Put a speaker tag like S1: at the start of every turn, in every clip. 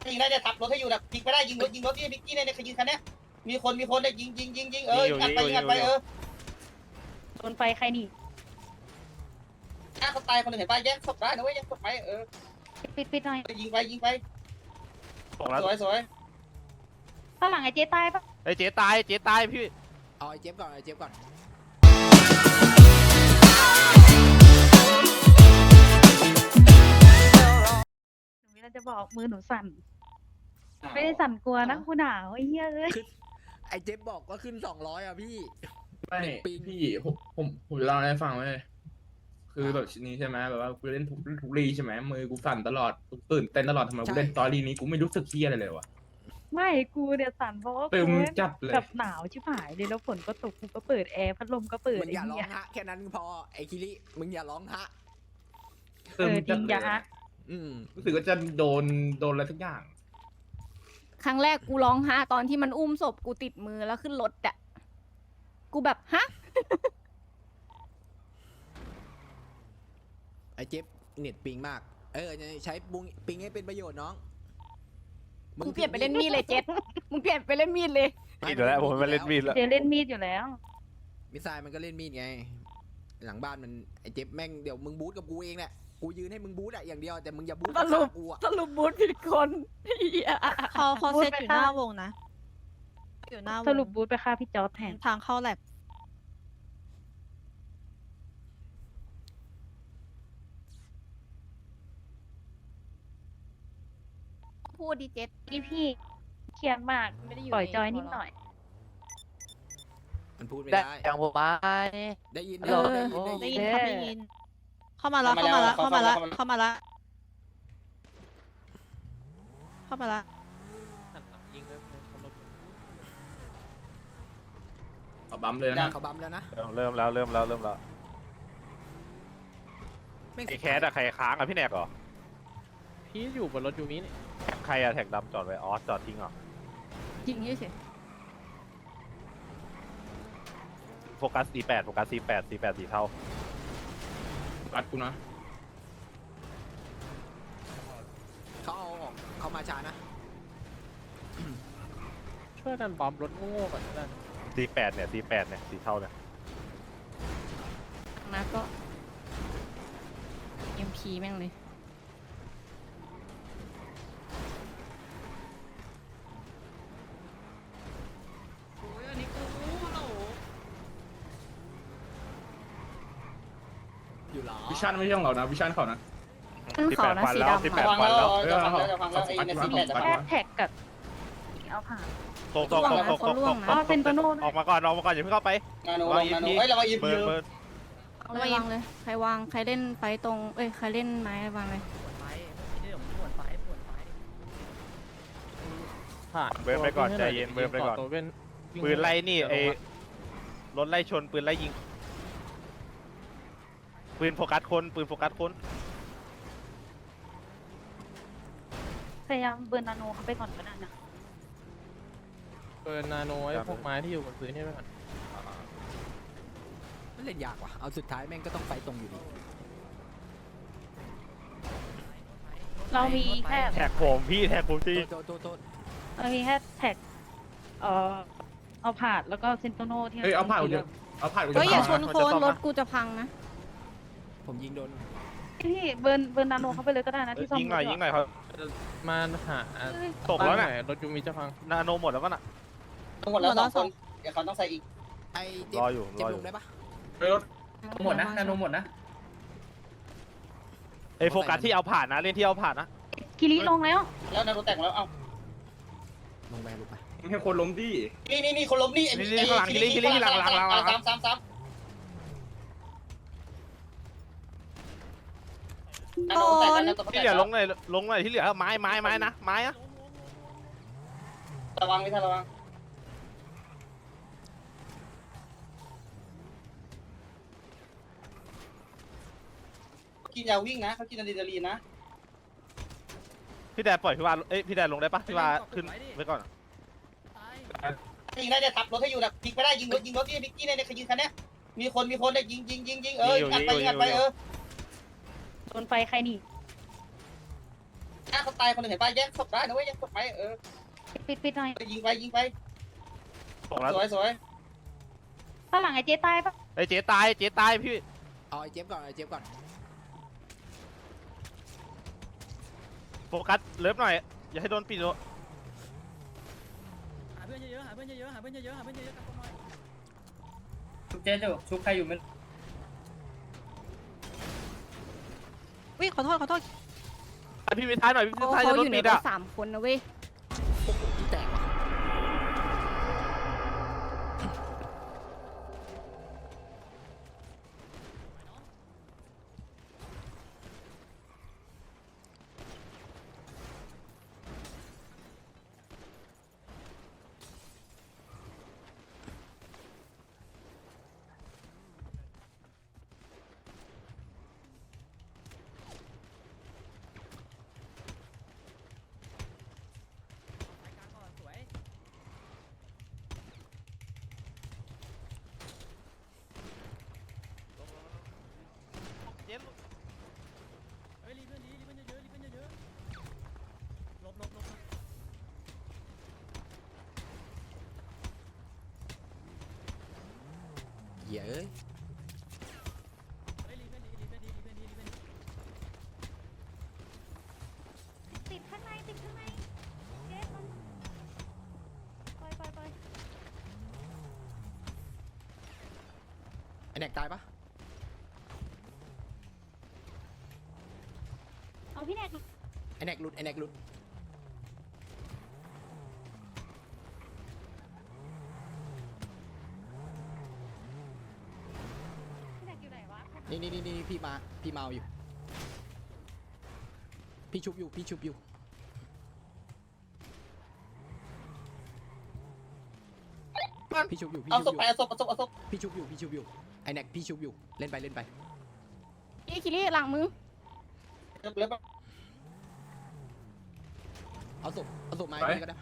S1: ยิงได้จะทับรถให้อยู่นะพลิกไม่ได้ยิงรถที่พิกกี้เนี่ยขยิงคันนี้มีคนเนี่ยยิงอัดไป
S2: โดนไฟใครนี่
S1: ถ้าเขาตายคนหนึ่งเห็นป่ะแยกศพได้นะเว้ยแยกศพไป
S2: ปิดหน่อย
S1: ยิงไปสวย
S2: ข้างหลังไอ้เจ๊ตายปะ
S3: ไอ้เจ๊ตายพี่
S4: เอาไอ้เจ็บก่อนห
S2: นูเราจะบอกมือหนูสั่นไม่ได้สั่นกลัวนะคุณหนาวไอ้เหี้ยเลย
S4: ไอ้เจ็บบอกว่าขึ้น200อ่ะพี่
S5: ไม่พี่ผมจะเล่าให้ฟังไว้คือแบบชิ้นนี้ใช่ไหมแบบว่ากูเล่นทุกรีใช่ไหมมือกูสั่นตลอดตื่นเต้นตลอดทำไมกูเล่นตอรี่นี้กูไม่รู้สึกเที่ยอะไรเลยวะ
S2: ไม่กูเนี่ยสั่นเพราะว่า
S5: ตึ
S2: กู
S5: มจัดเลย
S2: แบบหนาวชิบหายเลยแล้วฝนก็ตกกูก็เปิดแอร์พัดลมก็เปิด
S4: มึงอย่าร้อง
S2: ไเหี้ย
S4: ฮะแค่นั้นพอไอ้คิริมึงอย่าร้องฮะ
S5: ตึม
S2: จ
S5: จั
S2: ริ
S5: ด
S2: ง
S5: เล
S2: อย่าย ฮะ
S5: รู้สึกว่าจะโดนอะไรทุกอย่าง
S6: ครั้งแรกกูร้องฮะตอนที่มันอุ้มศพกูติดมือแล้วขึ้นรถอะกูแบบฮะ
S4: ไอ้เจ็บเน็ตปิงมากใช้ปิงให้เป็นประโยชน์น้อง
S6: มึงเปลี่ยนไปเล่นมีดเลยเจ็ดมึงเปลี่ยนไปเล่นมีดเลย
S3: มีดแล้วผมมาเล่นมีดแล้ว
S2: เดี๋ยวเล่นมีดอยู่แล้ว
S4: มิสไซล์มันก็เล่นมีดไงหลังบ้านมันไอ้เจ็บแม่งเดี๋ยวมึงบูทกับกูเองแหละกูยืนให้มึงบูทอะอย่างเดียวแต่มึงอย่าบูทกับกูอะ
S6: สรุปบูธผิดคนเหี้ย
S7: เขาเซตอยู่หน้าวงนะอยู่หน้าวง
S2: สรุปบูธไปฆ่าพี่จอร์จแทน
S7: ทางเข้าแลบ
S6: พูดดิเจ็ด
S2: พี่เครียดมาก
S6: ไม่ได้อยู่
S2: ปล่อย
S6: ใน
S2: จอย
S6: ตัว
S2: นิดหน่อย
S4: มันพูดไม่
S3: ได้
S4: ได้
S3: อย่างผมมา
S4: ได้ยิน
S3: ฮัลโหล
S7: ได้ยินครับได้ยิน เข้ามาแล้วเข้ามาแล้วเข้ามาแล้วเข้ามาแล้วเข้ามาแล้ว
S5: ขอบัมเลยนะ
S4: เขาบัมแล้วนะ
S3: เริ่มแล้ว
S4: แม่ง
S3: ไอ้แคสอะใครค้างอะพี่แนกเหรอ
S8: พี่อยู่บนรถยูมินี่
S3: ใครอะแท็กดำจอดไว้จอดทิ้งเหรอ
S6: จริงเฉย
S3: โฟกัส C8 สีเทา
S5: รัดกูนะ
S4: เขาเอาออกเขามาช้านะ
S8: ช่วยกันบอมรถโง่ๆก่อนก็ได้
S3: C8 เนี่ยสีเทาเนี่ย
S6: นะก็ MP แม่งเลย
S4: อยู่หรอ
S5: วิชั่นไม่ใช่ของเรานะวิชั่นเขานะ
S6: ขึ้นเขานะสีดำ
S3: 18
S6: อะ
S3: ฟันแล้ว
S1: จะฟังแล้วไอ้ในซีแปดจะ
S2: แค่แท็กกับเอาผ่าน
S3: ตกออกมาก่อนอย่าเพิ่งเข้าไป
S1: นาโนเรามายิบ
S3: เบิ
S1: เย
S3: ร์
S1: อะ
S3: เบิร์
S6: เอาระวังเลยใครวางใครเล่นไฟตรงใครเล่นไม้วางเลย
S8: ผ่าน
S3: เบิร์ไปก่อนใจเย็นเบิร์ไปก่อน
S8: ตัวเว้น
S3: ปืนไล่นี่ไอ้รถไล่ชนปืนไล่ยิงปืนโฟกัสคน
S2: พยายามเบิร์นนาโนเขาไปก่อนก็ได้นะ
S8: เปิดนาโนไอ้พวกไม้ที่อยู่บนพื้นนี่ไปก่อน
S4: มันเล่นยากว่ะเอาสุดท้ายแม่งก็ต้องไฟตรงอยู่ดี
S2: เรามีแค่
S3: แท็กผมพี่แท็กผมจริง
S4: โทษ
S2: เรามีแค่แท็กเอาผ่านแล้วก็เซนโตโนที่
S5: เฮ้ยเอาผ่านกูจะเอาผ่านกูจะ
S6: เฮ้ยอย่าชนคนรถกูจะพังนะ
S4: ผมยิงโดน
S2: พี่เบิร์นนาโนเขาไปเลยก็ได้นะที่ซ่อม
S3: ยิงหน่อยครับ
S8: มาหา
S3: ตกแล้วน่ะ
S8: รถยูมิจะพัง
S3: นาโนหมดแล้วป่ะน่ะ
S1: ทั้งหมดแล้ว2 คนเดี๋ยวเขาต้องใส่อีก
S4: ไอ้เจ็บ
S3: รออยู่
S4: เจ็บลงได้ปะ
S5: รถหมดนะนาโนหมดนะ
S3: ไอ้โฟกัสที่เอาผ่านนะเล่นที่เอาผ่านนะ
S2: คิริลงแล้ว
S1: แล้วนาโนแต่งแล้วเอ้า
S4: ลงไปลงไป
S5: ให้คนล้มดิ
S1: นี่คนล้มนี่ซ้ำนาโนแต่งแล้วตัว
S3: ที่เหลือลงหน่อยที่เหลือไม้นะไม้อะ
S1: ระวังไม่ทันระวังกินยาวิ่งนะเขากินอะดรีนาลีนนะ
S3: พี่แดนปล่อยพี่วาพี่แดนลงได้ปะพี่วาขึ้นไว้ก่อน
S1: ยิงได้จะทับรถให้อยู่นะพลิกไม่ได้ยิงรถที่พิกกี้เนี่ยขยิงคันนี้มีคนเนี่ยยิงอัดไป
S2: โดนไฟใครนี่
S1: ถเขาตายคนหนึ่งเห็นป่ะแยกศพได้นะเว้ยแยกศพไหม
S2: ปิดหน่อย
S1: ยิงไปยิงไป
S3: ส่งแล้ว
S1: สวยสวย
S2: ข้างหลังไอ้เจ๊ตายปะ
S3: ไอ้เจ๊ตายเจ๊ตายพี่
S4: เอาไอ้เจ็บก่อนไอ้เจ็บก่อน
S3: โฟกัสเลิฟหน่อยอย่าให้โดนปิดโด
S9: หาเพื่อนเยอะๆหาเพื่อนเยอะๆหาเพื่อนเยอะๆหาเพื่อนเยอะๆกันหน่อย
S1: ชุบเจ๊อยู่ชุบใครอยู่มัน
S7: อุ้ยขอโทษขอโทษ
S3: พี่มีท้ายหน่อยพี่
S6: เขา
S3: ท้ายจะโด
S6: อน ยู่ใน
S3: ปิด
S6: รถ
S3: อ่ะ
S6: 3 คนนะเว้ย
S4: ที่แตกว่ะ
S9: สวย
S3: เจ๊
S9: เฮ้ยรีเพื่อนเยอะๆรีเพื่อนเยอะๆหลบ
S4: เหี้ยเอ้ย
S9: เฮ้ยรีเพื่อนดี
S2: ติดข้างในเจ๊มันปล่อย
S4: ไอ้แน็กตายปะ
S2: เอาพี่แนก
S4: ไอ้แน็กหลุดไอ้แน็กหลุด
S2: พี่แนกอยู่ไหนวะ
S4: นี่พี่เมาอยู่ พี่ชุบอยู่พี่ชุบอยู่ พี่ชุบอยู่พี่
S1: เอา
S4: ชุบ
S1: ศ
S4: อ
S1: พ
S4: ยู่
S1: ไปเอาศพ
S4: พี่ชุบอยู่ไอ้แน็กพี่ชุบอยู่เล่นไป
S6: พี่คิริหลังมึง
S1: เล็บ
S4: เอาศพไม้ไปก็ได้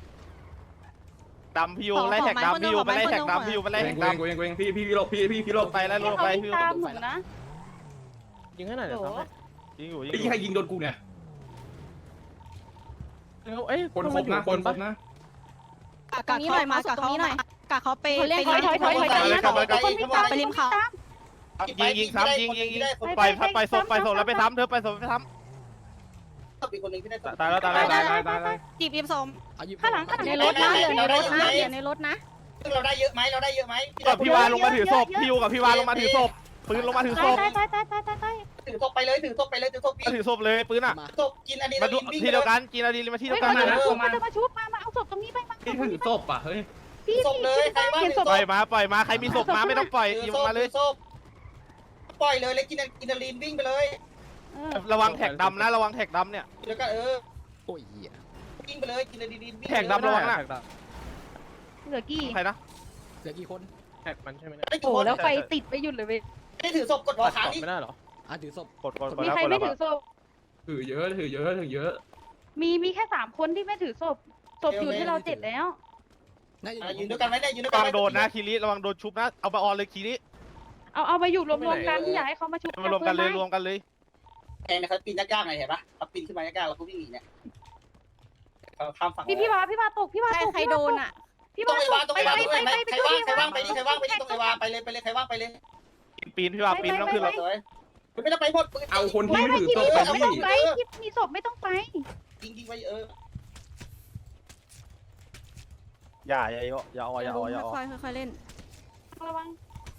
S3: ดำพี่โยไล่แท็กดำพี่โยไปไล่แท็กดำพี่โยไปไล่แท็กดำ
S5: กูเองพี่หลบพี่หลบ
S3: ไปแล้วลงไปพี่
S2: ตามหนูนะ
S8: ยิงให้หน่อยเดี๋ยวซ้ำให้
S3: ยิงอยู่ยิง
S5: ไอ้
S3: อยู่
S5: ใครยิงโดนกูเนี่ย
S8: เอ้ย
S5: คนครบนะคนครบนะ
S6: ตรงนี้หน่อยมาตรงนี้หน่อย
S7: กะเขาไป
S6: เขาเล่น
S7: ไป
S6: ถอย
S7: ไปริมเขา
S3: ยิงซ้ำยิงปล่อยปล่อยศพแล้วไปซ้ำเธอไปศพไปซ้
S1: ศพอีกคนหนึ่งที่ได้
S3: ำตายแล้วตายแล้ว
S7: จีบริมสม
S4: เอาหยิบ
S2: ข้างหลัง
S6: ในรถนะเหลือในรถนะเหลือในรถนะ
S1: ซึ่งเราได้เยอะไหม
S3: กับพี่วานลงมาถือศพพี่โยกับพี่วานลงมาถือศพปืนลงมาถือศพ
S2: ตาย
S1: ถือศพไปเลยถือศพพี่
S3: มาถือศพเลยปืนอ่ะ
S4: มา
S1: ศพกินอันนี้
S3: มาดูที่เดียวกันกินอะดีมาที่เดียวกัน
S2: มา
S3: นะ
S2: จะมาชุบมาเอาศพตรงนี้ไปมา
S5: พี่ถือศพอ่ะเฮ้ย
S2: พี่
S1: ศพเลยใครบ้าง
S2: ศพ
S3: ปล่อยมาใครมีศพมาไม่ต้องปล่อยยิงมาเลย
S1: ศพปล่อยเลยกินอะดรีนาลีนวิ่งไปเลย
S3: ระวังแท็กดำนะระวังแท็กดำเนี่ย
S1: แล้วก็
S4: โอ้ยเหี้ย
S1: วิ่งไปเลยกินอะดรีนาลีนวิ่ง
S3: แท็กดำระวังนะ
S2: เหลือกี่
S3: ใครนะ
S4: เหลือกี่คน
S8: แท็กมันใช่ไหมเนี่ย
S1: ไม่
S2: โอ้แล้วไฟติดไปหยุดเลยเว้ย
S1: ได้ถือศพกดหัวขานี่
S8: ไม่ได้เหรอ
S4: ถือศพ
S3: กด
S2: มีใครไม่ถือศพ
S5: ถือเยอะ
S2: มีแค่3 คนที่ไม่ถือศพอยู่ที่เรา7แล้ว
S4: น่าจะ
S1: ยืนด้วยกันไหมเนี่ยยืนด้วย
S3: ระ
S1: กัน
S3: วังโดนนะคีริระวังโดนชุบนะเอาไปออนเลยคีริ
S2: เอามาอยู่รวมๆกันอย่าให้เขามาชุบ
S3: มารวมกันเลยรวมกันเลย
S1: แทงนะครับปีนยากๆไงเห็นปะเขาปีนขึ้นมายากๆแล้วเขาวิ่งหนีเนี่ยเขาข้ามฝั่ง
S2: พี่วาตก
S6: ใครโดนอ่ะ
S2: พี่
S1: ตร
S2: วาง
S1: ไอ้วาตรงไอ้วา
S2: ไป
S1: ด้วยไหมใครว่างไปดิตรงไอ้วาไปเลยใครว่างไปเลย
S3: ปีนพี่ว่าปีนต้องขึ้นรถ
S1: สวยไม่ต้องไปหมดปืน
S5: เอาคนที่
S2: ไม่
S5: ไม่ถือศพ
S2: ไม่
S5: ไป
S2: ต้อง
S5: นี่
S2: ไปมีศพไม่ต้องไป
S1: ยิงไป
S3: อย่าเอา
S6: ค่อยๆเล่น
S2: ระวัง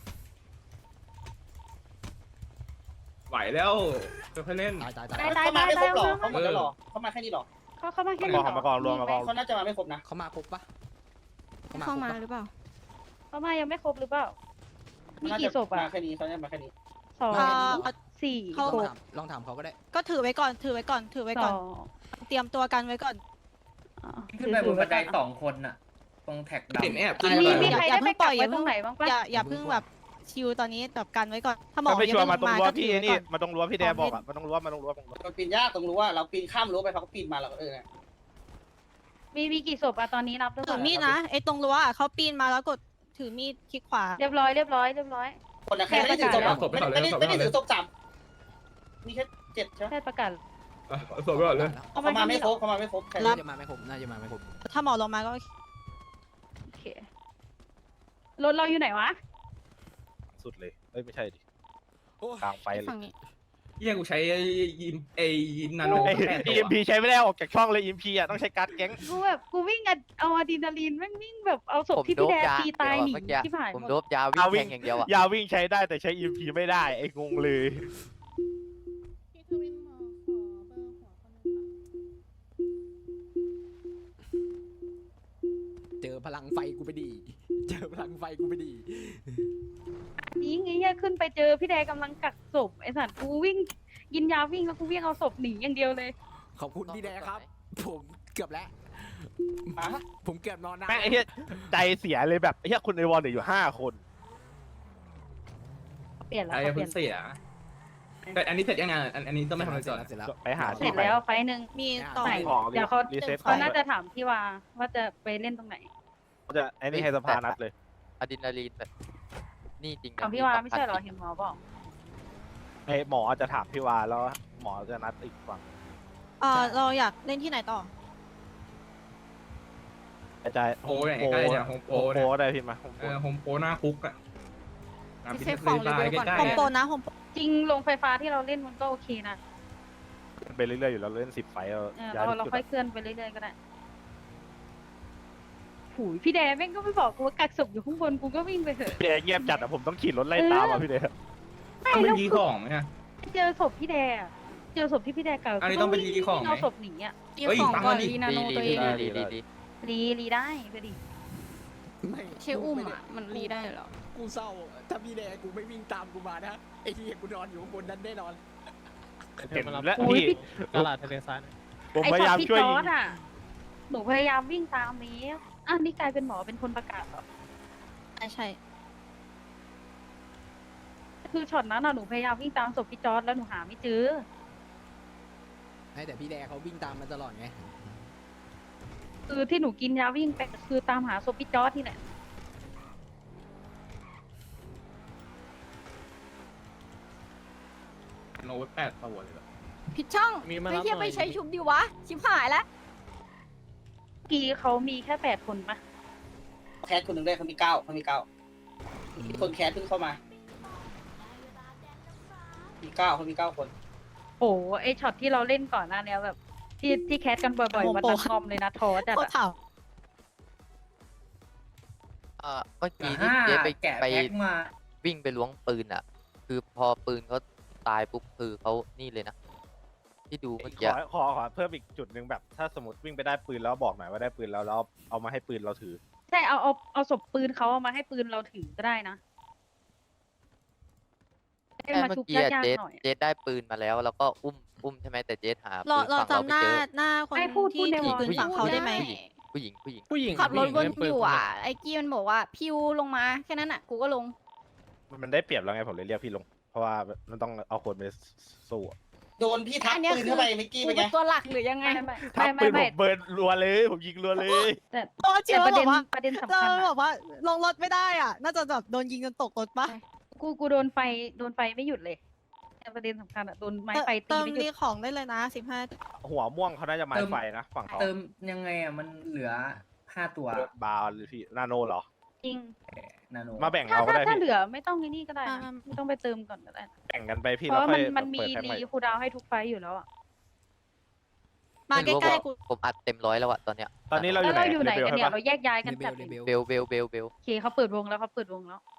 S5: ไหวแล้วค่อยเล่น
S4: ตาย
S1: เขามาไม่ครบหรอเขาหมดแล้วหรอเขามาแค่นี้หรอ
S2: เขามาแค่
S3: มากองรวม
S1: เขาน่าจะมาไม่ครบนะ
S4: เขามาครบปะ
S6: เข้ามาหรือเปล่า
S2: เขามายังไม่ครบหรือเปล่ามีกี่ศพ
S1: มา
S2: อ่ะ
S1: แค่นี้เขาจะมาแค่นี้
S2: 2 4
S4: ลองถามเขาก็ได้
S7: ก็ถือไว้ก่อน ถือไว้ก่อน เตรียมตัวกันไว้ก่อน
S2: ขึ้นไปบนบันได
S9: 2 คนน่ะตรงแท็กดำ
S5: เห็นแอบ
S2: มีใครได้ไปกักไว้ตรงไหนบ้างปะ
S7: อย่าเพิ่งแบบชิวตอนนี้แบบกันไว้ก่อน ถ้าหมอ
S3: ไม่
S7: ยัง
S3: ชัว
S7: ไม่
S3: ร์
S7: ล
S3: มาง ตรง
S7: มา
S3: รั้ว
S7: ก็ถื
S3: พี่
S7: อไว้
S3: นี่
S7: ก่อน
S3: มาตรงรั้วพี่แดงบอกอ่ะมาตรงรั้ว
S1: เราปีนยากตรงรู้ว่าเราปีนข้ามรั้วไปเขาก็ปีนมาเรา
S2: มีกี่ศพอะตอนนี้นับด้วย
S7: ถือมีดนะไอ้ตรงรั้วอะเขาปีนมาแล้วกดถือมีดคลิกขวา
S2: เรียบร้อย
S1: คนนะแค่ไม่ได้ถือศพไม่ได้ถือศพ3มีแค่7ใช่ไหม
S2: แค่ประกาศ
S5: เอาศพไปก่อนเลย
S1: เขามาไม่ครบเขามาไม่ครบใคร
S4: น่าจะมาไม่ครบน่าจะมาไม่ครบ
S7: ถ้าหมอลงมาก็
S2: โอเครถเราอยู่ไหนวะ
S3: สุดเลยเอ้ยไม่ใช่ดิ
S4: โอ้
S3: กลางไฟเลย
S7: ฝั่งนี้
S5: เฮียกูใช้ยิมนาโน
S3: ไอ้
S5: 8 ตัว
S3: EMP ใช้ไม่ได้ออกจากช่องเลย EMP อ่ะต้องใช้การ์ดแก๊ง
S2: กูแบบกูวิ่งเอาอะดรีนาลีนแม่งวิ่งแบบเอาศพที่พี่แดตีตายหนีที่ผ่าน
S10: ผม
S2: หม
S10: โด
S2: ด
S10: บยาวิ่งแทงอย่างเดียวอ่ะ
S3: ยาวิ่งใช้ได้แต่ใช้ EMP ไม่ได้ไอ้งงเลย
S7: พี่ทวินหมอขอเบอร์หัวคนนึงค่ะ
S4: เจอพลังไฟกูไปดีเจอพลังไฟกูไปดี
S2: นี้ไงเนี่ยขึ้นไปเจอพี่แดกำลังกักศพไอ้สัตว์กูวิ่งกินยาวิ่งแล้วกูวิ่งเอาศพหนีอย่างเดียวเลย
S4: ขอบคุณพี่แดครับ ผมเกือบแล้ว
S1: อ่ะ
S4: ผมเกือบนอนนะ
S3: แม่งไอ้เหี้ยใจเสียเลยแบบไอ้เหี้ยคุณในวอลเนี่ยอยู่5 คน
S2: เปลี่ยนแล้ว
S5: ไอ้
S2: เขาเป
S5: เพิ่
S2: ลี่ย
S5: ง
S2: น
S5: เสียแต่อันนี้เสร็จยังไงอันนี้ต้องไม่ทำอะไรก่อน
S4: เสร็จแล้ว
S3: ไปหา
S2: เสร็จแล้วไฟล์หนึ่ง
S7: มีต่อ
S2: ไหน
S3: ของ
S2: เดี๋ยวเขา
S3: รีเซ็ตข
S2: เขา
S3: อง
S2: น่าจะถามพี่ว่าจะไปเล่นตรงไหน
S3: เขาจะไอ้นี่ให้สภานัดเลย
S10: อะดรีนาลีนแบบนี่จริง
S2: ถามพี่วาไม่ใช่เหรอเห็นหมอบอก
S3: ไอ้หมอจะถามพี่วาแล้วหมอจะนัดอีกฝั่ง
S7: เราอยากเล่นที่ไหนต่อ
S3: อาจารย์
S5: โอ้ยใกล้ๆเนี่ยโฮมโปร
S3: โป
S5: เนี่ย
S3: ได้พี่มาโฮมโป
S5: โฮมโปรหน้าคุกอ่ะ
S7: พี่เซฟของรีวิวก่อน
S5: ใกล้
S7: โฮมโปรนะโฮมโปร
S2: จริงโรงไฟฟ้าที่เราเล่นมันก็โอเคนะ
S3: ไปเรื่อยๆอยู่แล้วเล่น10 ไฟเรา
S2: เราค่อยเคลื่อนไปเรื่อยๆก็ได้หูยพี่แดแม่งก็ไม่บอกกูว่ากักศพอยู่ข้างบนกูก็วิ่งไปเถอะ
S3: พี่เดชเงียบจัดอะผมต้องขี่รถไล่ตามอ่ะพี่เดช
S2: ไม่
S5: ต้องไป
S2: แล้ว
S5: รีของไหมอ่ะ
S2: เจอศพพี่แดอะเจอศพที่พี่แดกัก
S5: อันนี้ต้องไปรีของไหม
S2: เอาศพหนีอ่ะ
S7: มี
S5: เฮ้ย
S7: ของ
S5: ฟัง
S7: ก่อน
S5: มาดิ
S7: รีนาโนตัวเอง
S2: รีได้ไปดิ
S4: ไม่
S7: เชอุ้มอ่ะมันรีได้เหรอ
S4: กูเศร้าถ้าพี่แดกูไม่วิ่งตามกูมานะไอ้ที่กูนอนอยู่ข้างบนนั้นแน่นอน
S3: เห็นแล้ว
S2: โอ้ย
S3: พี่
S2: พี่
S8: ตลาดทะเลทรายนะ
S3: ผม
S2: ไอ้
S3: พ
S2: ช็
S3: ยา
S2: อ
S3: ยา
S2: ต
S3: ม
S2: พี่
S3: ช่วย
S2: จอ
S3: ยิ
S2: ร์
S3: ง
S2: ดอ่ะหนูพยายามวิ่งตามนี้อ่ะนี่กลายเป็นหมอเป็นคนประกาศเหรอ
S7: ใช่
S2: คือช็อตนั้นอ่ะหนูพยายามวิ่งตามศพพี่จอร์ดแล้วหนูหาไม่เจอ
S4: ให้แต่พี่แดเขาวิ่งตามมาตลอดไง
S2: คือที่หนูกินยาวิ่งไปคือตามหาศพพี่จอร์ดที่แหละ
S5: โน้ต8 ตัวเลยเหรอ
S6: ผิดช่อง
S8: มีมา
S6: ไม่
S8: รับ
S6: เทียบ
S8: หน่
S6: ไป
S8: อย
S6: ใช้ชุบดีวะ ชิบหายแล้ว
S2: เมื่อกี้เขามีแค่8 คนปะ
S1: แคสคนหนึ่งได้เขามี9มีคนแคสเพิ่งเข้ามามี9คน
S2: โอ้ไอช็อตที่เราเล่นก่อนหน้าเนี้ยแบบที่แคสกันบ่อยๆวันนั้นงอมเลยนะท้อจัด
S7: โคตร
S2: อะ
S7: ถาม
S10: เมื่อกี้ที่เจ๊ไปวิ่งไปล้วงปืนอ่ะ คือพอปืนเขาตายปุ๊บคือเขานี่เลยนะ ที่ดูเมื่อกี้
S3: ขอเพิ่มอีกจุดหนึ่งแบบถ้าสมมติวิ่งไปได้ปืนแล้วบอกหน่อยว่าได้ปืนแล้วเอามาให้ปืนเราถือ
S2: ใช่เอาศพปืนเขาเอามาให้ปืนเราถือก็ได้นะให้มา
S10: เมื่
S2: ชุ
S10: อบ กี้อะ
S2: ยาก
S10: เจ๊
S2: ๆหน่อย
S10: เจ๊ได้ปืนมาแล้ว แล้วก็อุ้มใช่ไหมแต่เจ๊หาปื
S7: เรา
S10: นฝั่งเรา
S7: จำห
S10: ไม่
S7: น้า
S10: เจอ
S7: หน้าคน
S2: ไอ้พูด
S7: ที่
S2: ใน
S7: ถือ
S2: วอล
S7: ปืนฝั่งเขาได้ไหม
S10: ผู้หญิง
S8: ผู้หญิง
S6: ขับรถวน
S8: ผู้หญิงเล่นปืน
S6: อยู่อ่ะ ไอ้กี้มันบอกว่าพิวลงมาแค่นั้นอ่ะ กูก็ลง
S3: มันได้เปรียบแล้วไงผมเลยเรียกพี่ลง เพราะว่ามันต้องเอาคนไปสู้อะ
S1: โดนพี่ทัก
S6: อันเนี้ย
S1: ปืน
S6: คือ
S1: เข้าไปเมื่อกี้
S6: กู
S1: เป็นไง
S6: เป็นตัวหลักหรือยังไง
S3: ทับปืนผ
S2: ไม่
S3: มเบิร์นรัวเลยผมยิงรัวเลย
S2: แต่
S7: โอ้เจี
S2: แต่
S7: ยว
S2: ประ
S7: บ
S2: เด็
S7: อน กว่า
S2: ประเด็นสำ
S7: เรา
S2: คัญ
S7: บ
S2: อะ
S7: อกว่าลงรถไม่ได้อ่ะ น่าจะแบบโดนยิงจนตกรถปะ
S2: กูโดนไฟไม่หยุดเลยแต่ประเด็นสำคัญอะโดนไม้ไฟตี
S7: เติม
S2: ไม่หยุ
S7: รี
S2: ด
S7: ของได้เลยนะ15
S3: หัวม่วงเขาน่าจะไม้ไฟนะฝั่งเขา
S11: เติมยังไงอ่ะมันเหลือ5 ตัว
S3: บาร์หรือพี่นาโนเหรอ
S2: จริง
S11: นาโน
S3: มาแบ่ง
S2: ถ้า
S3: เอาก็ได้
S2: ถ้า
S3: พี่
S2: เหลือไม่ต้องไอ้นี่ก็ได้นะ
S7: อ่า
S2: ไม่ต้องไปเติมก่อนก็ได้นะ
S3: แบ่งกันไปพี่
S2: เพ
S3: แล้ว
S2: ราะ
S3: ค่อย
S2: มันมี
S3: เปิดแพ็คให
S2: รีคูลดาวน์ให้ทุกไฟล์อยู่แล้วอะ
S7: มา
S10: ไม่
S7: ใก
S10: รู้
S7: ล้
S10: ว่า
S7: ๆกู
S10: ผมอัดเต็มร้อยแล้วอะตอนเนี้ย
S3: ตอนนี้เราอ
S2: แล้ว
S3: ยู่ไหน
S2: เราอยู่ไหนกันเนี่ย
S3: ใช่ปะ
S2: เราแยกย้ายกัน
S4: เบ
S2: จั
S4: ล
S2: ด
S4: เบล
S10: เบล
S2: โอเคเขาเปิดวงแล้ว